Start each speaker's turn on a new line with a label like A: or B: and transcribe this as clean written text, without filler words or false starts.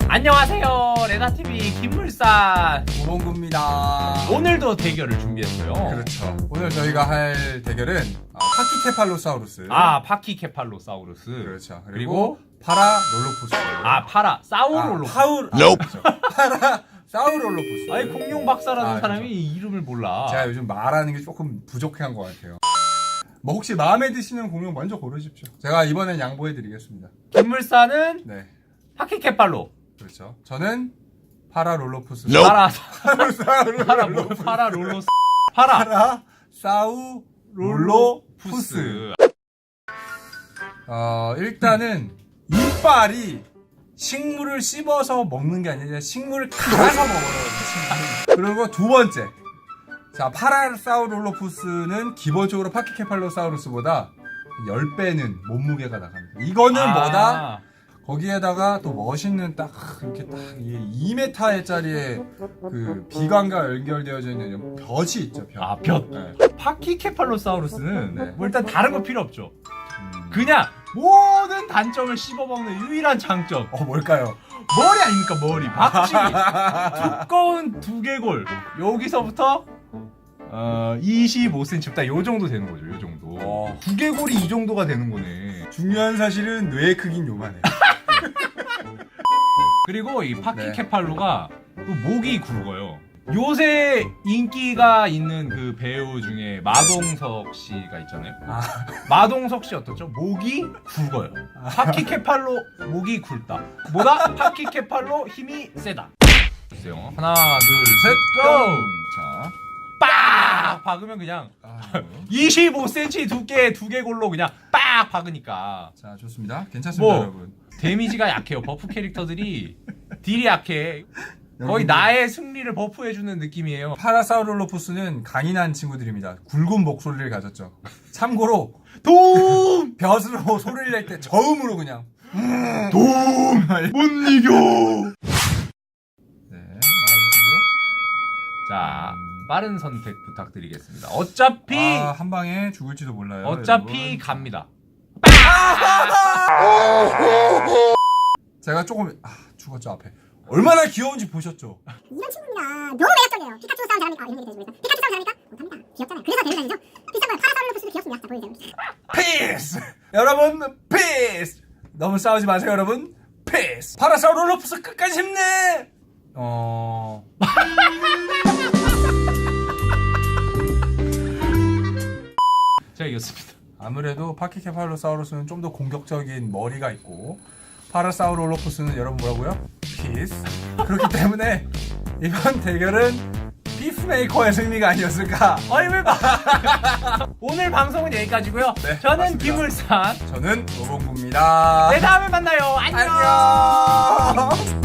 A: 안녕하세요, 레나TV 김물산
B: 오봉구입니다.
A: 오늘도 대결을 준비했어요.
B: 그렇죠. 오늘 저희가 할 대결은 파키케팔로사우루스.
A: 파키케팔로사우루스.
B: 그렇죠. 그리고 파라롤로푸스.
A: 파라 사우롤로푸스.
B: 그렇죠. 파라사우롤로푸스.
A: 아니, 공룡 박사라는 사람이
B: 그렇죠.
A: 이름을 몰라.
B: 제가 요즘 말하는 게 조금 부족한 것 같아요. 뭐 혹시 마음에 드시는 공룡 먼저 고르십시오. 제가 이번엔 양보해드리겠습니다.
A: 김물산은
B: 네.
A: 파키케팔로.
B: 그렇죠. 저는 파라롤로푸스.
A: 파라롤로푸스.
B: 파라사우롤로푸스. 일단은 이빨이 식물을 씹어서 먹는 게 아니라 식물을 갈아서 먹어요. 그리고 두 번째, 자, 파라사우롤로푸스는 기본적으로 파키케팔로사우루스보다 10배는 몸무게가 나갑니다. 이거는 뭐다? 거기에다가 또 멋있는 딱 이렇게 딱 2m짜리의 그 비관과 연결되어져 있는 벼이 있죠. 벼.
A: 네. 파키케팔로사우루스는
B: 네.
A: 뭐 일단 다른 거 필요 없죠. 그냥 모든 단점을 씹어먹는 유일한 장점.
B: 뭘까요?
A: 머리 아닙니까, 머리. 박쥐. 두꺼운 두개골. 여기서부터 25cm 딱 요 정도 되는 거죠. 요 정도. 두개골이 이 정도가 되는 거네.
B: 중요한 사실은 뇌 크긴 요만해.
A: 그리고 이 파키케팔로가 또 목이 굵어요. 요새 인기가 있는 그 배우 중에 마동석 씨가 있잖아요. 마동석 씨 어떻죠? 목이 굵어요. 파키케팔로 목이 굵다. 뭐다? 파키케팔로 힘이 세다. 보세요. 하나, 둘, 셋, 고! 자, 빡! 박으면 그냥 25cm 두께 두개골로 그냥 빡 박으니까.
B: 자, 좋습니다. 괜찮습니다, 여러분.
A: 데미지가 약해요. 버프 캐릭터들이 딜이 약해. 거의 나의 승리를 버프해주는 느낌이에요.
B: 파라사우롤로푸스는 강인한 친구들입니다. 굵은 목소리를 가졌죠. 참고로
A: 도움!
B: 벼슬로 소리를 낼 때 저음으로 그냥
A: 도움! 못 이겨!
B: 네, 말아주시고요.
A: 자, 빠른 선택 부탁드리겠습니다. 어차피
B: 한 방에 죽을지도 몰라요.
A: 어차피
B: 여러분.
A: 갑니다.
B: 제가 조금 죽었죠 앞에. 얼마나 귀여운지 보셨죠?
C: 이런 친구입니다. 너무 매력적이에요. 피카츄 싸움 잘합니까? 이런 얘기 해줍니다. 피카츄 싸움 잘합니까? 못합니다. 귀엽잖아요. 그래서 대회 다니죠. 비싼 거예요. 파라사우롤로푸스도 귀엽습니다. 자, 보여주세요.
B: 피스! 여러분, 피스! 너무 싸우지 마세요, 여러분. 피스! 파라사우롤로푸스 끝까지 힘내!
A: 제가 이겼습니다.
B: 아무래도 파키케팔로사우루스는 좀 더 공격적인 머리가 있고 파라사우롤로푸스는 여러분 뭐라고요? 피스. 그렇기 때문에 이번 대결은 피스메이커의 승리가 아니었을까.
A: 오늘 방송은 여기까지고요.
B: 네,
A: 저는
B: 맞습니다.
A: 김물산.
B: 저는 오봉구입니다.
A: 네, 다음에 만나요. 안녕.
B: 안녕.